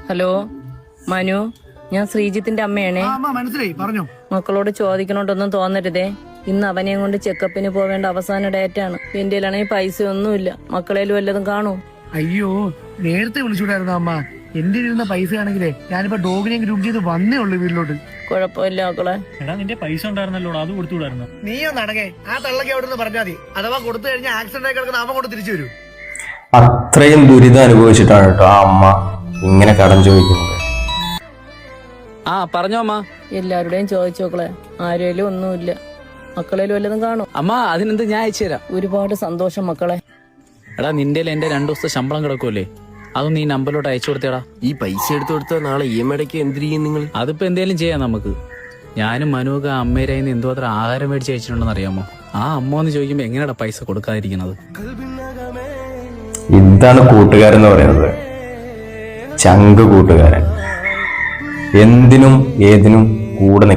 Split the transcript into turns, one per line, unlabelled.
Hello Manu, ഞാൻ ശ്രീജിത്തിന്റെ അമ്മയാണേ.
മനസ്സിലായി, പറഞ്ഞോ.
മക്കളോട് ചോദിക്കണോണ്ടൊന്നും തോന്നരുതേ. ഇന്ന് അവനെയും കൊണ്ട് ചെക്കപ്പിന് പോവേണ്ട അവസാന ഡേറ്റാണ്. എന്റെ പൈസ ഒന്നുമില്ല. മക്കളേലും വല്ലതും കാണൂ.
അയ്യോ, നേരത്തെ വിളിച്ചുകൂടായിരുന്നു അമ്മ. എന്റെ ഇരുന്ന പൈസ ആണെങ്കിലേ ഞാനിപ്പോ ഡോഗിനെ ഗ്രൂപ്പ് ചെയ്ത് വന്നേ ഉള്ളു വീട്ടിലോട്ട്.
കുഴപ്പമില്ല മക്കളെ.
എടാ, നിന്റെ പൈസ ഉണ്ടായിരുന്നല്ലോ, അത് കൊടുത്തുകൂടായിരുന്നു.
നീയൊന്ന് അടങ്ങേ. ആ തള്ളക്ക് അവിടെ നിന്ന് പറഞ്ഞാൽ മതി. അഥവാ കൊടുത്തു കഴിഞ്ഞാൽ ആക്സിഡന്റ് ആയി കിടക്കുന്ന അമ്മ കൊണ്ട് തിരിച്ചു വരൂ.
അത്രയും ദുരിതം അനുഭവിച്ചിട്ടാണ് കേട്ടോ ആ അമ്മ ഇങ്ങനെ കടം ചോദിക്കുന്നത്.
പറഞ്ഞോ അമ്മ.
എല്ലാവരുടെയും ചോദിച്ചു മക്കളെ, ആരേലും ഒന്നുമില്ല. മക്കളേലും വല്ലതും കാണും.
അമ്മ അതിനെന്ത്, ഞാൻ അയച്ചു തരാം.
ഒരുപാട് സന്തോഷം മക്കളെ.
എടാ, നിന്റെ എന്റെ 2 ദിവസത്തെ ശമ്പളം കിടക്കുമല്ലേ, അതൊന്നും ഈ നമ്പറിലോട്ട് അയച്ചു കൊടുത്തേടാ.
ഈ പൈസ എടുത്തു കൊടുത്താൽ നാളെ EMI അടയ്ക്ക് എന്ത് ചെയ്യും നിങ്ങൾ?
അതിപ്പോ എന്തേലും ചെയ്യാം നമുക്ക്. ഞാനും മനുവൊക്കെ അമ്മേരായിന്ന് എന്തോ അത്ര ആഹാരം മേടിച്ച് അയച്ചിട്ടുണ്ടെന്ന് അറിയാമോ? ആ അമ്മ എന്ന് ചോദിക്കുമ്പോ എങ്ങനെയാ പൈസ കൊടുക്കാതിരിക്കുന്നത്?
ഇതാണ് കൂട്ടുകാരെന്ന് പറയുന്നത്. ചങ്ക് കൂട്ടുകാരൻ, എന്തിനും ഏതിനും കൂടെ